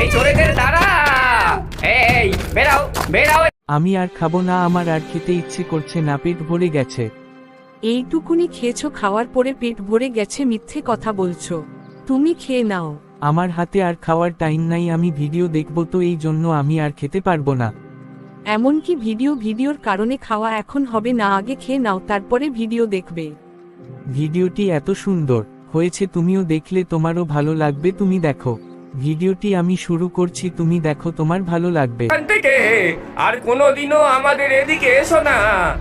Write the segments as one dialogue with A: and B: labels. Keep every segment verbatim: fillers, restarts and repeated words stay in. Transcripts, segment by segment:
A: এই চোরেদের দাঁড়া, এই বেরাও বেরাও।
B: আমি আর খাবো না, আমার আর খেতে ইচ্ছে করছে না, পেট ভরে গেছে।
C: এইটুকুনি খেয়েছো, খাওয়ার পরে পেট ভরে গেছে মিথ্যে কথা বলছো। তুমি খেয়ে নাও।
B: আমার হাতে আর খাওয়ার টাইম নাই, আমি ভিডিও দেখবো, তো এই জন্য আমি আর খেতে পারবো না।
C: এমনকি ভিডিও ভিডিওর কারণে খাওয়া এখন হবে না, আগে খেয়ে নাও তারপরে ভিডিও দেখবে।
B: ভিডিওটি এত সুন্দর হয়েছে, তুমিও দেখলে তোমারও ভালো লাগবে, তুমি দেখো। ভিডিওটি আমি শুরু করছি, তুমি দেখো, তোমার ভালো লাগবে।
A: এখান থেকে আর কোনোদিনও আমাদের এদিকে এসো না।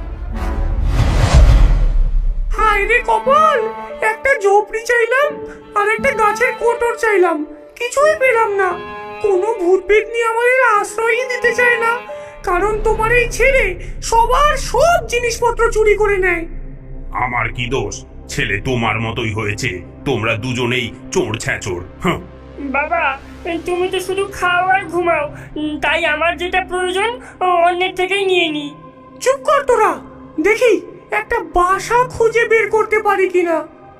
D: হায় রে কপাল, একটা ঝোপড়ি চাইলাম আর একটা গাছের কোটর চাইলাম, কিছুই পেলাম না। কোনো ভূত পেতনি আমাদের আশ্রয়ই দিতে চায় না, কারণ তোমার এই ছেলে সবার সব জিনিসপত্র চুরি করে নেয়।
E: আমার কি দোষ? ছেলে তোমার মতোই হয়েছে, তোমরা দুজনেই চোর ছ্যাচোর। হ্যাঁ,
F: বাবা, তুমি তো শুধু খাও আর ঘুমাও, তাই আমার যেটা প্রয়োজন অন্যের থেকেই নিয়ে নি।
D: চুপ কর তোরা, দেখি একটা বাসা খুঁজে বের করতে পারি কিনা।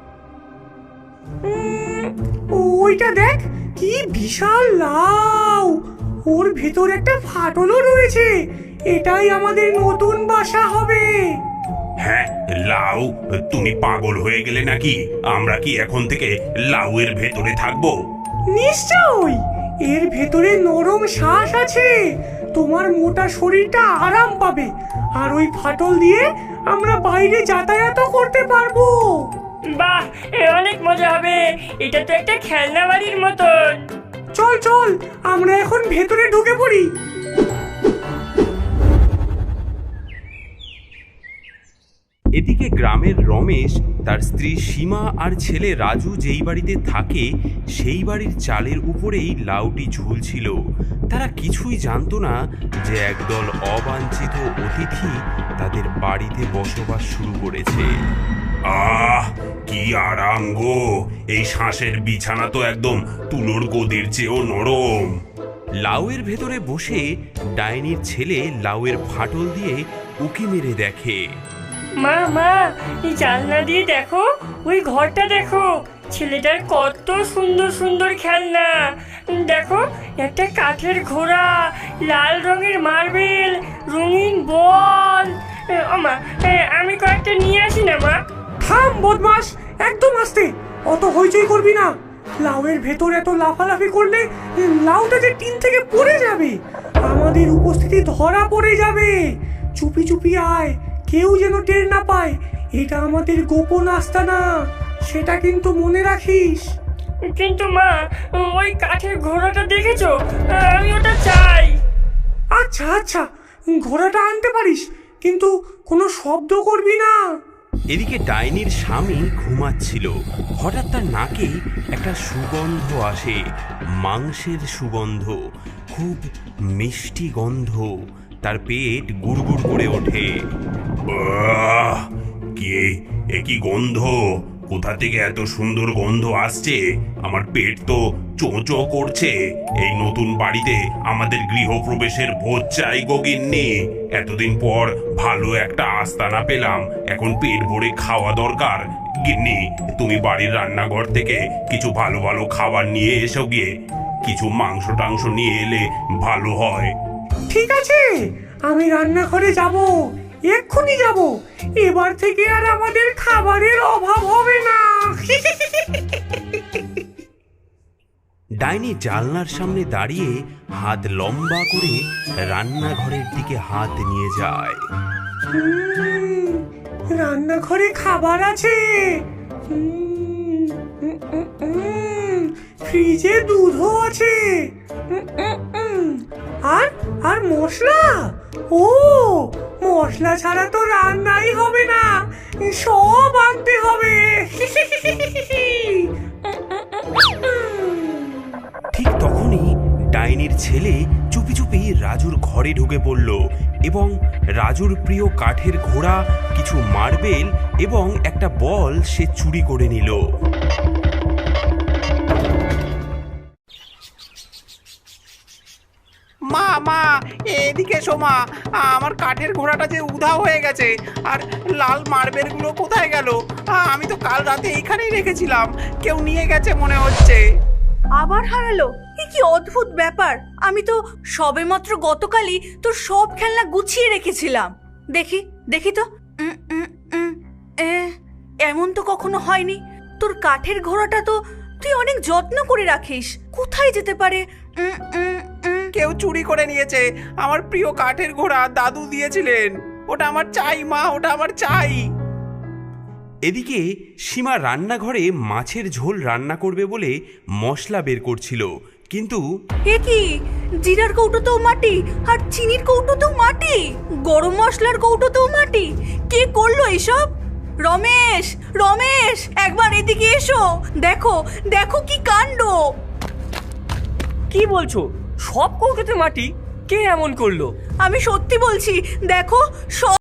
D: উম, ওইটা দেখ, কি বিশাল লাউ, ওর ভেতর একটা ফাটলও রয়েছে। এটাই আমাদের নতুন বাসা হবে।
E: হ্যাঁ লাউ, তুমি পাগল হয়ে গেলে নাকি? আমরা কি এখন থেকে লাউয়ের ভেতরে থাকবো?
D: নিশ্চয়ই, এর ভেতরে নরম শ্বাস আছে, তোমার মোটা শরীরটা আরাম পাবে, আর ওই ফাটল দিয়ে আমরা বাইরে যাতায়াত করতে পারবো।
F: বাহ, এ অনেক মজা হবে, এটা তো একটা খেলনা বাড়ির মতন।
D: চল চল, আমরা এখন ভেতরে ঢুকে পড়ি।
E: এদিকে গ্রামের রমেশ, তার স্ত্রী সীমা আর ছেলে রাজু যেই বাড়িতে থাকে সেই বাড়ির চালের উপরেই লাউটি ঝুলছিল। তারা কিছুই জানতো না যে একদল অবাঞ্ছিত অতিথি তাদের বাড়িতে বসবাস শুরু করেছে। আহ, কি আরাম গো! এই শ্বাসের বিছানা তো একদম তুলোর গদির চেয়েও নরম। লাউয়ের ভেতরে বসে ডাইনির ছেলে লাউয়ের ফাটল দিয়ে উকি মেরে দেখে।
F: মা মা, এই জানলা দিয়ে দেখো, ওই ঘরটা দেখো, ছেলেটার কত সুন্দর সুন্দর খেলনা। দেখো, একটা কাঠের ঘোড়া, লাল রঙের মার্বেল, রঙিন বল। মা, আমি কয়েকটা নিয়ে আসি না মা?
D: থাম বদমাস, একদম আস্তে, অত হইচই করবি না। লাউয়ের ভেতর এত লাফালাফি করলে লাউটা যে টিন থেকে পড়ে যাবে, আমাদের উপস্থিতি ধরা পড়ে যাবে। চুপি চুপি আয়, কেউ যেন টের না পায়। এটা আমাদের গোপন আস্তানা, সেটা কিন্তু মনে রাখিস।
F: কিন্তু মা, ওই কাঠের ঘোড়াটা দেখেছো? আমি ওটা চাই।
D: আচ্ছা আচ্ছা, ঘোড়াটা আনতে পারিস, কিন্তু কোনো শব্দ করবি না।
E: এদিকে ডাইনির স্বামী ঘুমাচ্ছিল, হঠাৎ তার নাকে একটা সুগন্ধ আসে, মাংসের সুগন্ধ, খুব মিষ্টি গন্ধ। তার পেট গুড়গুড় করে ওঠে। আহ, কে এ? কি গন্ধ? কোথা থেকে এত সুন্দর গন্ধ আসছে? আমার পেট তো চোঁচো করছে। এই নতুন বাড়িতে আমাদের গৃহপ্রবেশের ভোজ চাই গো গিন্নি। এতদিন পর ভালো একটা আস্তানা পেলাম, এখন পেট ভরে খাওয়া দরকার। গিন্নি, তুমি বাড়ির রান্নাঘর থেকে কিছু ভালো ভালো খাবার নিয়ে এসো গিয়ে। কিছু মাংস টাংস নিয়ে এলে ভালো হয়।
D: ঠিক আছে, আমি রান্নাঘরে যাব, এক্ষুনি যাব। এবার থেকে আর আমাদের খাবারের অভাব হবে না।
E: ডাইনি জানলার সামনে দাঁড়িয়ে হাত লম্বা করে রান্নাঘরের দিকে হাত নিয়ে যায়।
D: উম, রান্নাঘরে খাবার আছে, উম, উম, উম, উম, ফ্রিজে দুধও আছে, উম, উম, উম, আর আর মশলা, ও মশলা ছাড়া তো রান্নাই হবে না, সব আনতে হবে।
E: ঠিক তখনই ডাইনির ছেলে চুপি চুপি রাজুর ঘরে ঢুকে পড়ল এবং রাজুর প্রিয় কাঠের ঘোড়া, কিছু মার্বেল এবং একটা বল সে চুরি করে নিল।
G: মা মা, এদিকে এসো মা, আমার কাঠের ঘোড়াটা যে উধাও হয়ে গেছে, আর লাল মার্বেলগুলো কোথায় গেল? আমি তো কাল রাতে এইখানেই রেখেছিলাম, কেউ নিয়ে গেছে মনে হচ্ছে।
H: আবার হারালো? এ কি অদ্ভুত ব্যাপার! আমি তো সবেমাত্র গতকালই তোর সব খেলনা গুছিয়ে রেখেছিলাম। দেখি দেখি তো। উম, উম, উম, এ, এমন তো কখনো হয়নি। তোর কাঠের ঘোড়াটা তো তুই অনেক যত্ন করে রাখিস। কোথায় যেতে পারে? উম, উম, উম।
G: কেউ চুরি করে নিয়েছে আমার প্রিয় কাঠের ঘোড়া, দাদু দিয়েছিলেন। ওটা আমার চাই মা, ওটা আমার চাই।
E: এদিকে সীমা রান্নাঘরে মাছের ঝোল রান্না করবে বলে মশলা বের করছিল, কিন্তু
H: এ কি, জিরার কৌটোতেও মাটি আর চিনির কৌটোতেও মাটি, গরম মশলার কৌটোতেও মাটি। কে করলো এসব? রমেশ, রমেশ, একবার এদিকে এসো। দেখো দেখো কি কাণ্ড!
A: কি বলছো? সব কৌটোতে মাটি? কে এমন করলো?
H: আমি সত্যি বলছি, দেখো সব